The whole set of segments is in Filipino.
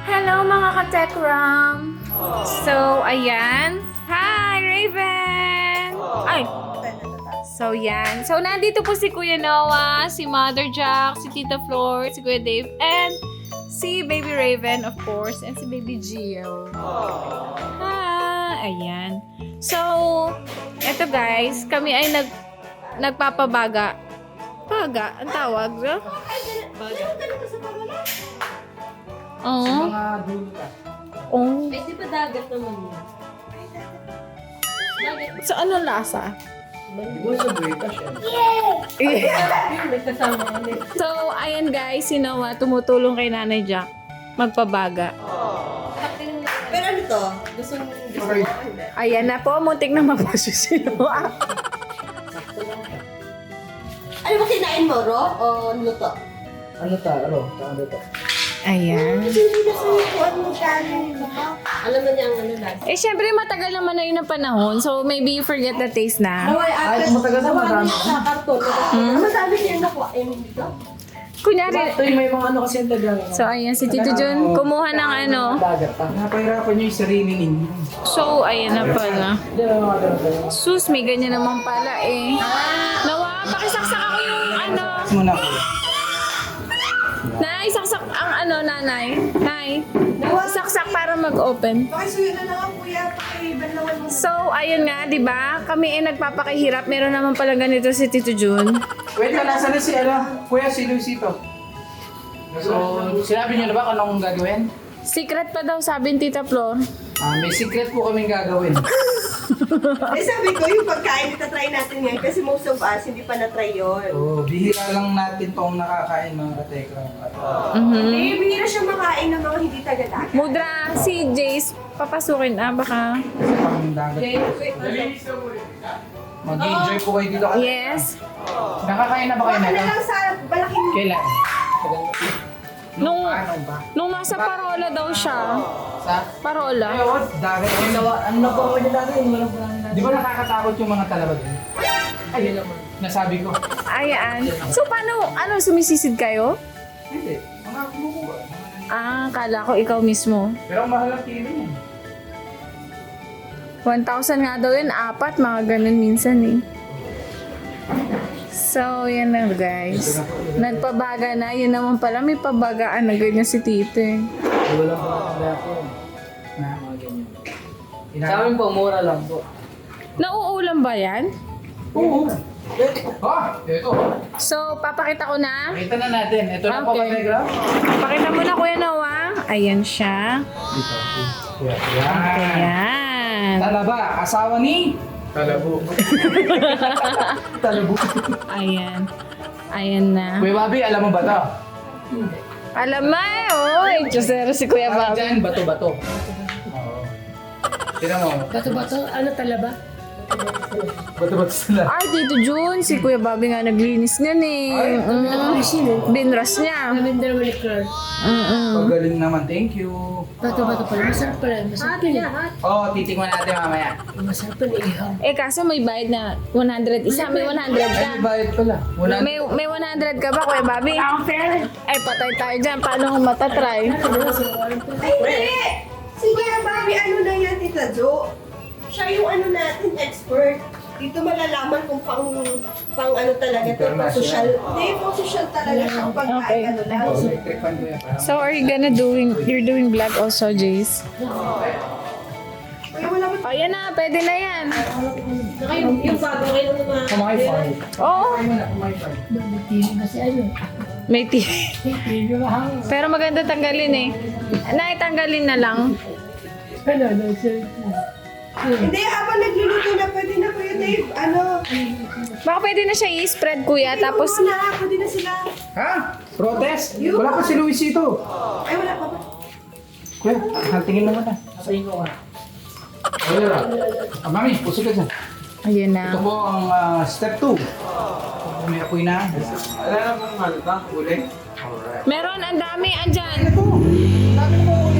Hello mga ka-Tekram! So, ayan. Hi, Raven! Ay! So, yan. So, nandito po si Kuya Noah, si Mother Jack, si Tita Flor, si Kuya Dave, and si Baby Raven, of course, and si Baby Gio. Ayan. So, eto guys, kami ay nagpapabaga. Baga? Ang tawag? Baga. Oo. Mga dulo ka. Oh. Ay, di ba dagat naman yun? So, anong lasa? Di ba sa British yan? Yun, may kasama kami. So, ayan guys, si Noah tumutulong kay Nanay Jack magpabaga. Pero ano to? Gusto mo? Ayan na po, muntik na mapuso si Noah. Ano ba kinain mo, Ro? O luto? Ano ta? Ano to? Ayan. Alam mo niya ang ano last? Eh, syempre, matagal naman na yun ang panahon. So, maybe you forget the taste na. Ay, matagal na marami. Sa karton. Masabi niya nakuha yung dito? Kunyari, Ito yung may mga ano kasi yung taga. so, ayan, si Tito Jun, kumuha ng ano. Dagat pa. Napahirapan niyo yung sarili ninyo. So, ayan na pala. Hindi na mga ganun tayo. Sus, may ganyan naman pala eh. Nawa, pakisaksak ako yung ano. Muna ko. Nay, saksak ang ano, nanay. Nay, saksak para mag-open. Pakisuyo na lang kuya, pakibanlawan mo. So, ayun nga, di ba? Kami ay nagpapakahirap. Meron naman pala ganito si Tito Jun. Wait lang, nasa na si Kuya si Luisito. So, sinabi niyo na ba kung anong gagawin? Secret pa daw, sabi ni Tita Flor. May secret po kaming gagawin. Eh sabi ko, yung pagkain, itatry natin yan kasi most of us hindi pa na-try yun. So, bihira lang natin tong nakakain mga katekra. Eh, bihira siya makain ng mga hindi taga-dagat. Mudra, si Jace, papasukin baka. Pang dagat. Mag-enjoy po kayo dito. Yes. Nakakain na ba kayo Baka na nito? lang sa malaking... Kailan? Nung- ano ba? Nung nasa Parola daw siya. Sa? Parola. Ayun, dagat. Ano na po ako niya dati? Di ba nakakatakot yung mga talabag? Ay, nasabi ko. Ayan. So, paano, sumisisid kayo? Hindi. Mga kumukuha. Ah, kala ko ikaw mismo. Pero ang mahal ang kilo niyan. 1,000 nga daw yun, 4, mga ganun minsan eh. So, yan na guys. Nagpabaga na. Yun naman pala, may pabagaan na ganyan si Tito eh. Wala pa ang ako. Na, mga ganyan. Sa amin po, mura lang po. Nauulam ba yan? Oo. Ito. So, papakita ko na. Kita na natin. Ito na po, Okay. Kategra. Pakita mo na, Kuya Noah. Ayan siya. Yan. Ayan. Talaba, asawa ni? Talabo. Talabo. Ayan. Ayan na. Kuya Bobby, alam mo ba ito? Alam mo eh, oy. Diyosero si Kuya Tawag Bob. dyan, bato-bato. Oo. Tinan mo. Bato-bato? Ano talaba? Bato-bato sila. Ay, Tito Jun, si Kuya Bobby nga naglinis niyan eh. Binras niya. Namin din naman ni Clark. Pagaling naman, thank you. Bato-bato pala. Masarap pala. Masarap yun eh. Oo, titingnan natin mamaya. Masarap yun eh. Ihaw. Eh, kaso may bayad na 100. Isa, may 100 Ay, ka. may bayad pala. Wala. May 100 ka ba, Kuya Bobby? Ay, patay tayo dyan. Paano kung matatry? Ay, hindi! Si Kuya Bobby, ano na yan, Tita Jo? Siya yung ano natin, expert. Dito malalaman kung pang ano talaga to, pang social. Hindi, pang social talaga siya. Pang Okay. pagkain, ano lang. Electric fan ko yan. So, are you you're doing vlog also, Jace? Kuya, wala ba? Oh, yan na. Pwede na yan. Saka yung bago kayo ng mga... Kumain fan. Oo. Kumain mo na, kumain fan. Kasi ano? May TV. Pero maganda tanggalin eh. Naitanggalin na lang. Hindi, habang nagluluto na, pwede na Kuya Dave. Ano? Baka pwede na siya i-spread, kuya. Tapos, Na, pwede na sila. Ha? Protest? Wala pa si Luisito. Ay, wala pa ba? Kuya, tingin mo muna. Sabihin ko nga. Wala. Mami, puso ka dyan. ayun Ito na. po ang step 2. May apoy na. Wala na pong ano ka? Uli? Alright. Meron, ang dami, andyan. Ito. Dami mo uli.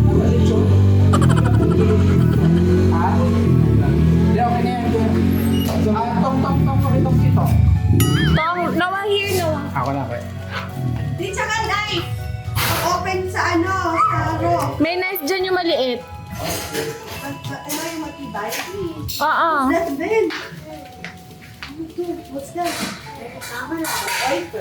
Ha? Hindi, okay na yan. Tong, pakitong dito. Tong, Noah here, Noah. Ako na, kaya. Di, tsaka knife. Open sa ano, sa raw. May knife dyan yung maliit. Ano yung matibay? Oo. That's Ben. Ano to? What's that? Oyster.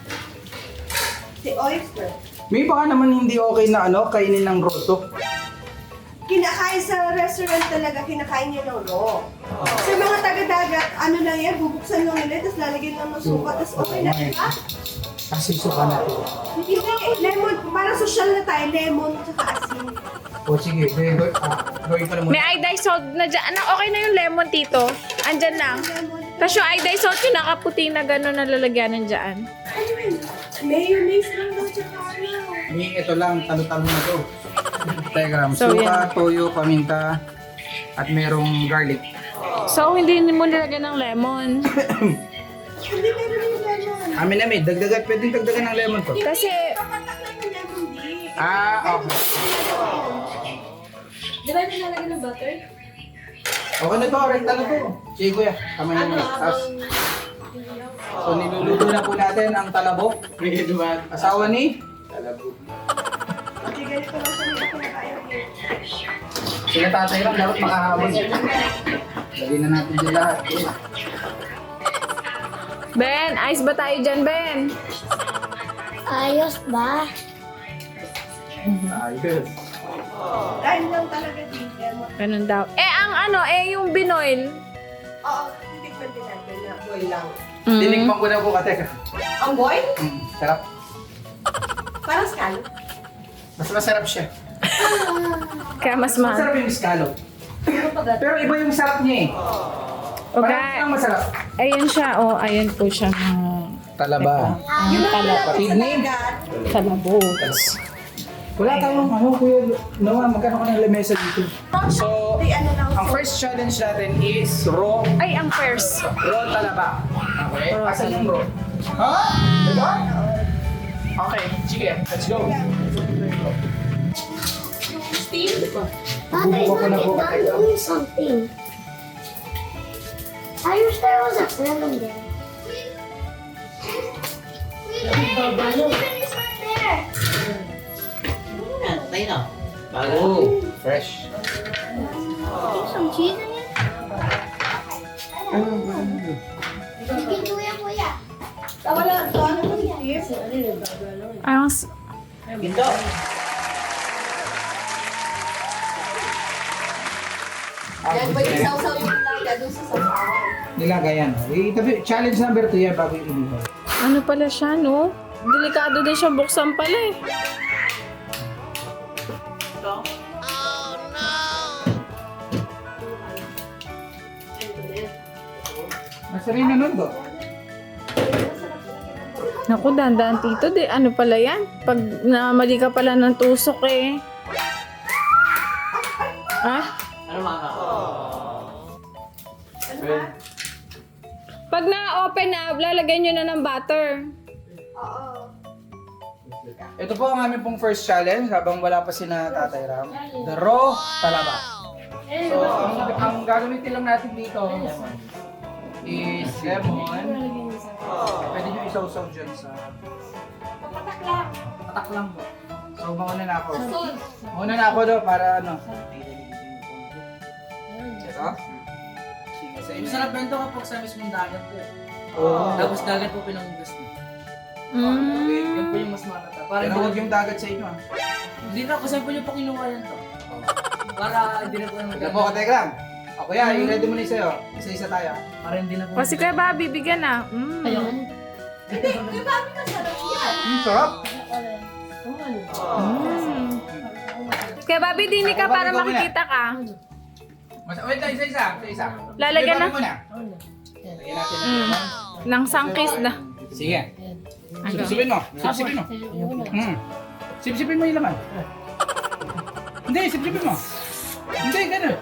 Si oyster. May baka naman hindi okay na kainin ng roto. Kinakain sa restaurant talaga, kinakain niya ng raw. Sa mga taga-dagat, ano lang yan, bubuksan lang nila, tapos lalagyan lang ng suka, tapos okay na siya. Kasi suka natin. Hindi, lemon, para social na tayo, lemon, tsaka asin. O sige, gawin ko na muna. May iodized salt na dyan. Okay na yung lemon, tito. Andyan lang. Lemon. Tapos yung iodized salt yung nakaputi na gano'n na lalagyanan dyan. Ano yun? Mayonnaise lang daw, tsaka ano. Ito lang, talo-talo na to. Telegram, So, suka, toyo, paminta, at merong garlic. So, hindi mo nilagyan ng lemon. Hindi, meron yung lemon. Amin, pwedeng dagdagan ng lemon to. Kasi, Kapatak lang yung lemon, di. Okay. Di ba nilalagay ng butter? Okay na to, rekta na to. Sige kuya, kamay na yung tas. So niluluto na po natin ang talabok. Asawa ni? Talabok. Kasi ganito lang siya nila kinakain niya. Sila tatay lang, dapat makahabol. Lagyan na natin dyan lahat. Ben, ayos ba tayo dyan, Ben? Ayos ba? Ayos. Dahil lang talaga din, lemon. Ganun daw. Yung binoil. Oo, hindi pa din natin na boy lang. Tinikman ko na po kateka. Ang boy? Sarap. Parang scallop. Mas masarap siya. Kaya mas mahal. Masarap yung scallop. Pero iba yung sarap niya eh. Parang Okay. ang masarap. Ayun siya, ayun po siya. Talaba. Yung nakalapit sa Sydney? dagat. Talabos. Wala tayong kuya Noah, magkano ka ng lamesa dito? So, Di ano lang. ang first challenge natin is raw Ay, ang first. talaba. Okay? Asan yung raw? Ha? Diba? Okay, sige, let's go. Father, Bumaba ko na po I'm kateka. doing something. I wish there was a lemon there. Oh, fresh. Some cheese in it? Wala, so ano mo yung Yan ba yung sausaw yung lala doon sa sausawan? Nilagayan. Challenge number 2 yan bago yung inuha. Ano pala siya, no? Delikado din siya buksan pala eh. Masarap na nun to. Naku, dandan tito, ano pala yan? Pag namali ka pala ng tusok eh. Ah? Pag na-open na, lalagyan nyo na ng butter. Oo. Ito po ang aming pong first challenge habang wala pa si na Tatay Ram. The raw talaba. So, ang gagamitin lang natin dito is lemon. Pwede nyo isaw-saw dyan sa... Patak lang po. So, mauna na ako. Mauna na ako do para ano. Ito? Yung sarap bento kapag sa mismong dagat po. Oo. Tapos dagat po pinangugas niyo. Yan po yung mas matata. Para Pero huwag yung dagat sa inyo ah. hindi na kasi po yung po kinuha yan to. Para hindi na po yung Tignan mo ka, Tegram. Ako yan, yung ready mo na sa'yo. Isa-isa tayo. Para hindi na po. O si Kuya Bobby, bigyan na. Ayun. Di ba kami masarap yan? Sarap. Kuya Bobby, dini ka para Bobby, makikita ka. Wait lang, isa-isa. Isa-isa. Lalagyan na. Ibabalik mo na. Lagyan natin ng lemon. Nang sangkis na. Sige. Sipsipin mo. Sipsipin mo. Sipsipin mo yung laman. Hindi, sipsipin mo. Hindi, gano'n.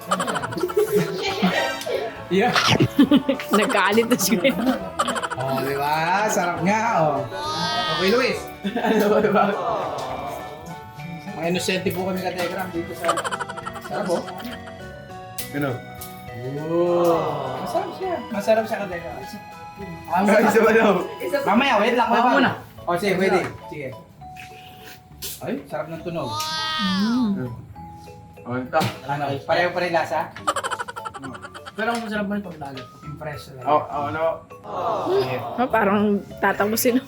Yeah. Nagkaalit na siya. Oh, di ba? Sarap nga, oh. Okay, Luis. Ano ba, di ba? Mga inosente po kami ka-Telegram dito sa... Sarap, oh. Gano'n. Oh. Masarap siya. Masarap siya ka-Telegram. Isa ba daw? Mamaya, wait lang. Ako muna. O, sige, pwede. Sige. Ay, sarap ng tunog. Anta. Ano, pareho pa rin lasa? Pero ang masarap mo rin pag lagat. Impress na. Ano? Oh, parang tatapusin.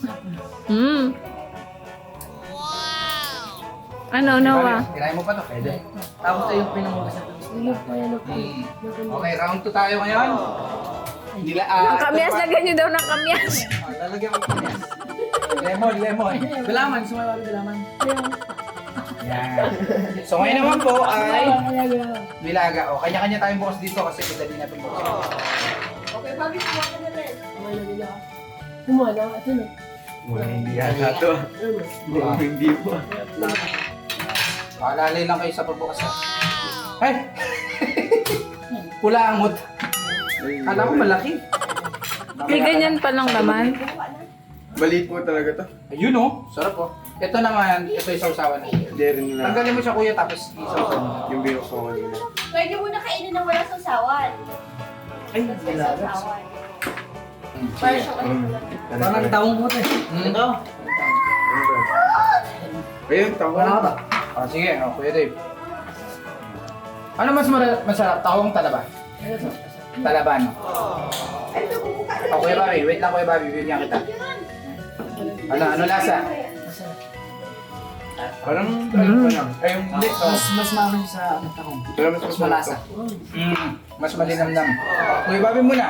Ano, Noah? Tirahin mo pa to, pwede. Tapos tayo yung pinangugas na tapos. Okay, round 2 tayo ngayon. Nila, Ang kamyas, lagyan nyo daw ng kamyas. Lalagyan ko kamyas. Lemon. Galaman, sumayaw yung galaman. Yan. So ngayon naman po ay nilaga. O, kanya-kanya tayong bukas dito kasi madali natin bukas. Okay, Bobby, kuha ka na rin. Kumala, ito na. Mukhang hindi yata to. Mukhang hindi po. Paalalay lang kayo sa pagbukas. Ay! Pula angot. Kala ko malaki. May ganyan pa lang naman. Maliit po talaga to. Ayun o, sarap o. Ito naman, ito yung sausawan natin. Hindi rin nila. Tanggalin mo siya kuya tapos isausawan mo. Yung binok ko kanina. Pwede mo na kainin ng walang sasawan. Ay, nilagat. Para siya Parang tawong mo ito eh. Ito. Ayun, tama Wala ka na. ba? Ah, sige, o, kuya Dave. Ano mas masarap? Tahong talaba? Talaba, no? Ito, bumuka na. O, kuya Bobby, wait lang kuya Bobby, bibigyan kita. Ano lasa? Parang ano pa lang. Ay, hindi. Mas maman sa tahong. Pero mas Malasa. Mas malinamnam. Kuya Bobby muna.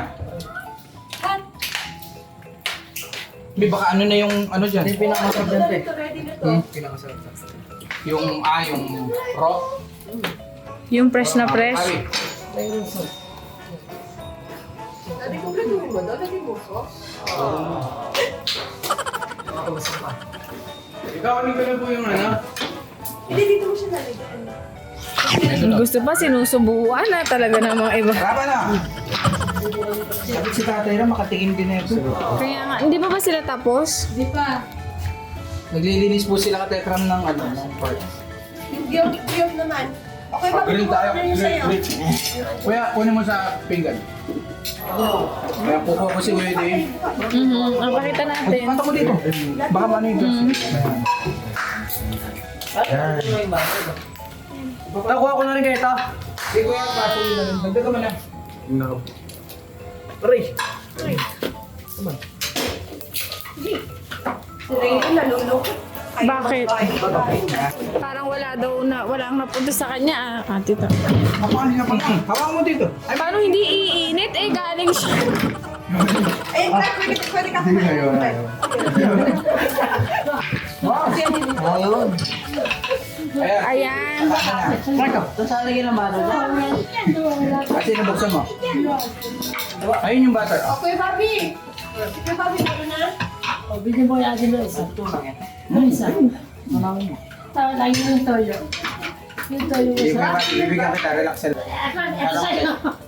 May baka ano na yung ano dyan? Ito yung pinakamasarap dyan ito eh. Ito, ready na to. Pinakamasarap. Yung raw. Yung fresh na fresh. Bobby. Sabi ko, gagawin mo daw, lagyan mo sauce. Nakakabasa pa. Ikaw, ano ka na po yung ano? Hindi, dito mo siya nalagyan. Gusto pa sinusubuan na talaga ng mga iba. Tama na. Sabi si tatay na makatingin din na ito. Kaya nga, hindi pa ba sila tapos? Di pa. Naglilinis po sila ka Tekram ng ano, ng park. Yung giyok naman. Okay, Bobby, Grill kuha tayo. ka na yung sa'yo. Kuya, kunin mo sa pinggan. Kaya kukuha ko si Kuya Dave. Ang pakita natin. Panta ko dito. Baka mano yung gas. Nakuha ko na rin kayo ito. Si Kuya, paso yun na rin. Dagdag mo na. Yung naka... Aray. Si Raymond, naluloko. Ay, Bakit? magkain. Parang walang napunta sa kanya. Tita. Hawakan niya pa. Hawakan mo dito. Ay, paano hindi iinit? Eh, galing siya. Ayun, pwede ka kumain. Ayun. Ayan. Ayan. Marco, ito sa lagyan ng bato dyan. Kasi nabuksan mo. Ayun yung butter. Okay, Bobby. Sige, Bobby, ano na? O, bigyan mo yung asin na isa. Ito lang yan. Ano isa? Manawin mo. Tawag lang yung toyo. Yung toyo mo sa... Bibigyan kita. Relax lang. Ito sa'yo.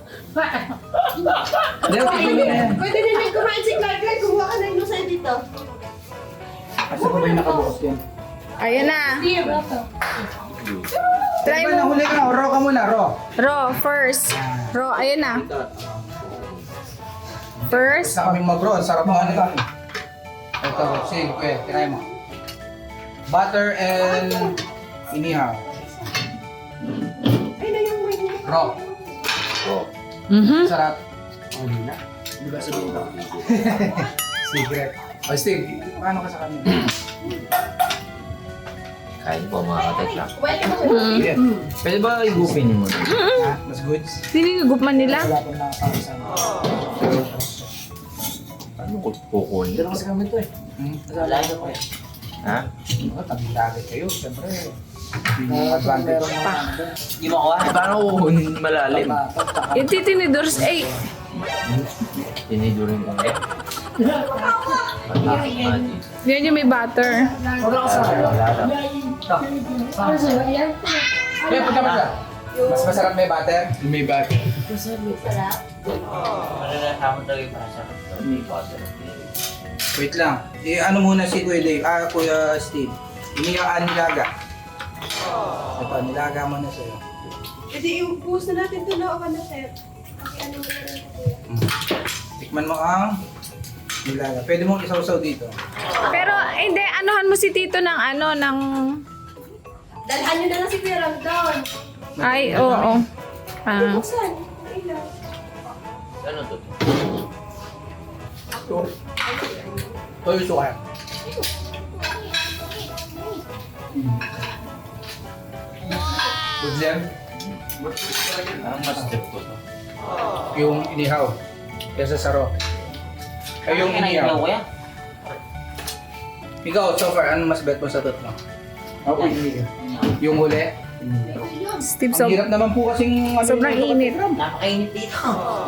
Hindi, okay na yan. Pwede din din kumain si Clark. Clark, kumuha ka na yung sa'yo dito. Kasi pa ba yung nakabukas yan? Ayan na. Try Diba, mo. nahuli ka na. Raw ka muna, raw. Raw, first. Raw, ayan na. First. Sa kaming mag-raw. Sarap mo ano ito. Ito, sige, kuya. Try mo. Butter and inihaw. Ay, na yung may Raw. Sarap. Oh, hindi na. Di ba sabihin ko? Secret. O Steve, paano ka sa kanya? Kain po mga katekla. Yeah. Pwede ba igupin mo? Ha? Mas goods? Sinigugupman nila. Wala pong nakakasama. Ano ko kukunin? Dito kasi kami ito eh. Wala ka pa eh. Ha? Tabi dagat kayo, siyempre. Advantage. Di mo kuha? Paano kukunin malalim? Yung titinidors, eh. Tinidurin ko nga. Yan yung may butter. Wala ka sa akin. Wala lang. Ano sa'yo? Ayan. Kaya punta mo siya. Mas masarap may butter? May bag. Sarap. Malalasaman talaga yung masarap. May butter. Wait lang. Ano muna si Kuya Dave? Kuya Steve. Iniyaan nilaga. Ito, nilaga mo na sa'yo. Pwede yung post na natin ito na ako na, sir. Kasi ano mo na rin ito. Tikman mo ang nilaga. Pwede mong isawsaw dito. Pero, hindi, anuhan mo si Tito ng ano, ng Dalhan nyo na lang si Kuya Ram doon. Ay, oo. Ah. Buksan. Ilaw. Ano to? Ito. Ito yung suka. Good yan. Ang mas trip ko to. Yung inihaw. Kesa saro. Ay, yung inihaw. ko yan. Ikaw, so far, ano mas bet mo sa tatlo? Ako inihaw. Yung huli? Steve, Ang hirap naman po kasing ano, sobrang init. Napakainit dito.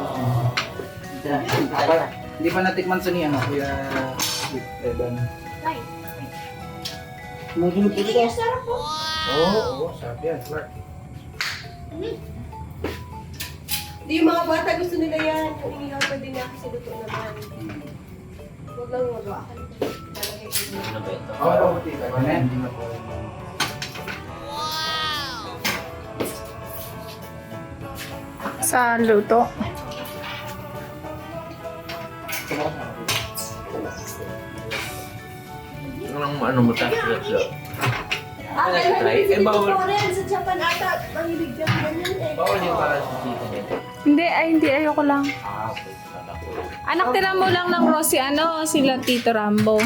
Hindi pa natikman sa niya, no? Kuya Evan. Hindi kaya sarap po. Oo, sarap yan. Clark. Hindi, yung mga bata gusto nila yan. Kung inihaw pa din ako sa luto naman. Huwag lang magawakan. Lalagay ko yun. Ano ba ito? Oo, tita. Hindi na po. Sa luto. Ano mo tayo? Try. Eh, bawal. Sa Japan ata, mahilig yan ganyan eh. Bawal yung para sa dito nito. Hindi, ay hindi. Ayoko lang. Ah, okay. Kala ko. Anak, tira mo lang ng Rosie, ano, sila Tito Rambo.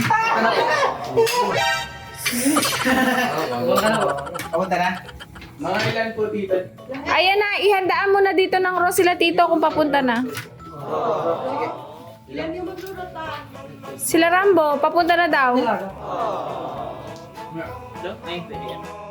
Papunta na? Mga ilan po, tita? Ayan na, ihandaan mo na dito ng Rosie sila Tito kung papunta na. Ilan yung magluluta? Sila Rambo, papunta na daw. Ayun, pwede yan.